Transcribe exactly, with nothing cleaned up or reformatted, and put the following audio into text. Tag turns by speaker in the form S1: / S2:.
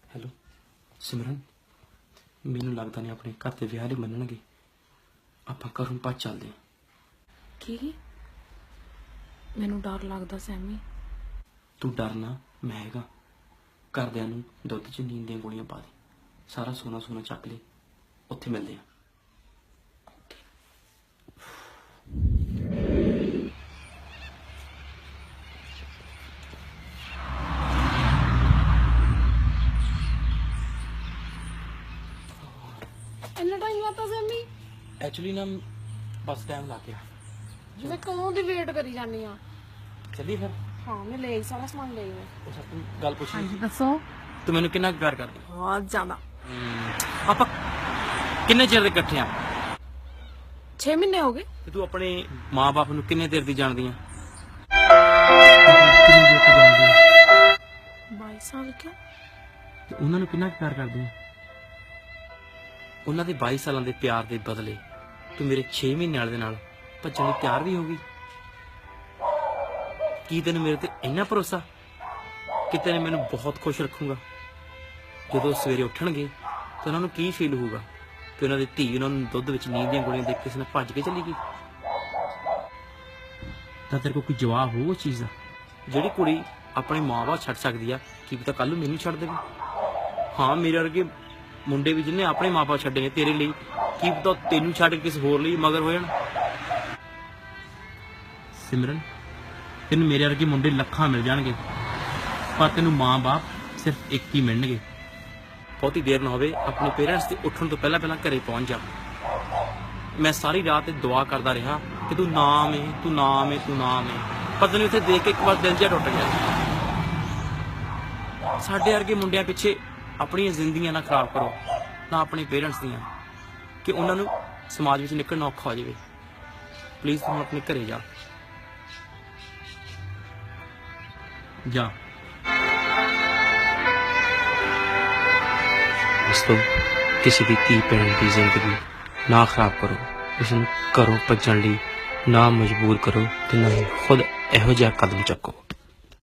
S1: Hello ਸਿਮਰਨ, ਮੈਨੂੰ ਲੱਗਦਾ ਨਹੀਂ ਆਪਣੇ ਘਰ ਦੇ ਵਿਆਹ ਲਈ ਮੰਨਣਗੇ। ਆਪਾਂ ਘਰੋਂ ਭੱਜ ਚੱਲਦੇ ਹਾਂ।
S2: ਕੀ? ਮੈਨੂੰ ਡਰ ਲੱਗਦਾ ਸੈਮੀ।
S1: ਤੂੰ ਡਰਨਾ, ਮੈਂ ਹੈਗਾ। ਘਰਦਿਆਂ ਨੂੰ ਦੁੱਧ 'ਚ ਨੀਂਦ ਦੀਆਂ ਗੋਲੀਆਂ ਪਾ ਦੇ, ਸਾਰਾ ਸੋਨਾ ਸੋਨਾ ਚੱਕ ਲੈ, ਉੱਥੇ ਮਿਲਦੇ ਆ।
S2: ਇੰਨਾ ਟਾਈਮ ਲਾਤਾ ਸੈਮੀ?
S1: ਐਕਚੁਅਲੀ ਨਾ ਬਸ ਟਾਈਮ ਲੱਗ ਗਿਆ।
S2: ਮੈਂ ਕਦੋਂ ਦੀ ਵੇਟ ਕਰੀ ਜਾਂਦੀ ਆ।
S1: ਚੱਲੀ ਫਿਰ।
S2: ਹਾਂ ਮੈਂ ਲੈ ਆਈ, ਸਾਰਾ ਸਮਾਨ ਲੈ ਆਈ ਮੈਂ।
S1: ਉਹ ਸਭ ਤੋਂ ਗੱਲ ਪੁੱਛੀ,
S2: ਹਾਂਜੀ ਦੱਸੋ।
S1: ਤੂੰ ਮੈਨੂੰ ਕਿੰਨਾ ਕੁ ਪਿਆਰ ਕਰਦੀ?
S2: ਬਹੁਤ ਜ਼ਿਆਦਾ।
S1: ਆਪਾਂ ਕਿੰਨੇ ਚਿਰ ਦੇ ਇਕੱਠੇ ਆ?
S2: ਛੇ ਮਹੀਨੇ ਹੋ ਗਏ।
S1: ਤੇ ਤੂੰ ਆਪਣੇ ਮਾਂ-ਬਾਪ ਨੂੰ ਕਿੰਨੇ ਦੇਰ ਦੀ ਜਾਣਦੀ ਆ?
S2: ਬਾਈ ਸਾਲ ਕਿਉਂ?
S1: ਤੇ ਉਹਨਾਂ ਨੂੰ ਕਿੰਨਾ ਕੁ ਪਿਆਰ ਕਰਦੀ ਆ? ਉਹਨਾਂ ਦੇ ਬਾਈ ਸਾਲਾਂ ਦੇ ਪਿਆਰ ਦੇ ਬਦਲੇ ਤੂੰ ਮੇਰੇ ਛੇ ਮਹੀਨੇ ਵਾਲੇ ਦੇ ਨਾਲ ਭੱਜਣ ਲਈ ਤਿਆਰ ਵੀ ਹੋ ਗਈ। ਕੀ ਤੈਨੂੰ ਮੇਰੇ ਤੇ ਇੰਨਾ ਭਰੋਸਾ ਕਿ ਤੈਨੂੰ ਮੈਨੂੰ ਬਹੁਤ ਖੁਸ਼ ਰੱਖੂਗਾ? ਜਦੋਂ ਸਵੇਰੇ ਉੱਠਣਗੇ ਤਾਂ ਉਹਨਾਂ ਨੂੰ ਕੀ ਫੀਲ ਹੋਊਗਾ ਕਿ ਉਹਨਾਂ ਦੀ ਧੀ ਉਹਨਾਂ ਨੂੰ ਦੁੱਧ ਵਿੱਚ ਨੀਂਦ ਦੀਆਂ ਗੋਲੀਆਂ ਦੇਖ ਕੇ ਕਿਸੇ ਨਾਲ ਭੱਜ ਕੇ ਚਲੀ ਗਈ? ਤਾਂ ਤੇਰੇ ਕੋਲ ਕੋਈ ਜਵਾਬ ਹੋਊ ਉਸ ਚੀਜ਼ ਦਾ? ਜਿਹੜੀ ਕੁੜੀ ਆਪਣੇ ਮਾਂ-ਬਾਪ ਛੱਡ ਸਕਦੀ ਆ, ਕੀ ਪਤਾ ਕੱਲ ਨੂੰ ਮੈਨੂੰ ਛੱਡ ਦੇਵੇ। ਹਾਂ, ਮੇਰੇ ਵਰਗੇ ਮੁੰਡੇ ਵੀ ਜਿਹਨੇ ਆਪਣੇ ਮਾਂ-ਬਾਪ ਛੱਡੇ ਨੇ ਤੇਰੇ ਲਈ, ਕੀ ਪਤਾ ਤੈਨੂੰ ਛੱਡ ਕੇ ਕਿਸੇ ਹੋਰ ਲਈ ਮਗਰ ਹੋ ਜਾਣ। ਸਿਮਰਨ, ਤੈਨੂੰ ਮੇਰੇ ਵਰਗੇ ਮੁੰਡੇ ਲੱਖਾਂ ਮਿਲ ਜਾਣਗੇ, ਪਰ ਤੈਨੂੰ ਮਾਂ-ਬਾਪ ਸਿਰਫ ਇੱਕ ਹੀ ਮਿਲਣਗੇ। ਬਹੁਤੀ ਦੇਰ ਨਾ ਹੋਵੇ, ਆਪਣੇ ਪੇਰੈਂਟਸ ਦੇ ਉੱਠਣ ਤੋਂ ਪਹਿਲਾਂ ਪਹਿਲਾਂ ਘਰੇ ਪਹੁੰਚ ਜਾ। ਮੈਂ ਸਾਰੀ ਰਾਤ ਦੁਆ ਕਰਦਾ ਰਿਹਾ ਕਿ ਤੂੰ ਨਾ ਆਵੇਂ, ਤੂੰ ਨਾ ਆਵੇਂ, ਤੂੰ ਨਾ ਆਵੇਂ। ਪਤਾ ਨਹੀਂ ਉੱਥੇ ਦੇਖ ਕੇ ਇੱਕ ਵਾਰ ਦਿਲ ਜਿਹਾ ਟੁੱਟ ਗਿਆ। ਸਾਡੇ ਵਰਗੇ ਮੁੰਡਿਆਂ ਪਿੱਛੇ ਆਪਣੀਆਂ ਜ਼ਿੰਦਗੀਆਂ ਨਾ ਖਰਾਬ ਕਰੋ, ਨਾ ਆਪਣੇ ਪੇਰੈਂਟਸ ਦੀਆਂ, ਕਿ ਉਹਨਾਂ ਨੂੰ ਸਮਾਜ ਵਿੱਚ ਨਿਕਲਣਾ ਔਖਾ ਹੋ ਜਾਵੇ। ਪਲੀਜ਼ ਤੂੰ ਆਪਣੇ ਘਰੇ ਜਾ ਜਾ। ਦੋਸਤੋ, ਕਿਸੇ ਦੀ ਧੀ ਭੈਣ ਦੀ ਜ਼ਿੰਦਗੀ ਨਾ ਖਰਾਬ ਕਰੋ, ਉਸ ਨੂੰ ਘਰੋਂ ਭੱਜਣ ਲਈ ਨਾ ਮਜਬੂਰ ਕਰੋ, ਤੇ ਨਾ ਹੀ ਖੁਦ ਇਹੋ ਜਿਹਾ ਕਦਮ ਚੱਕੋ।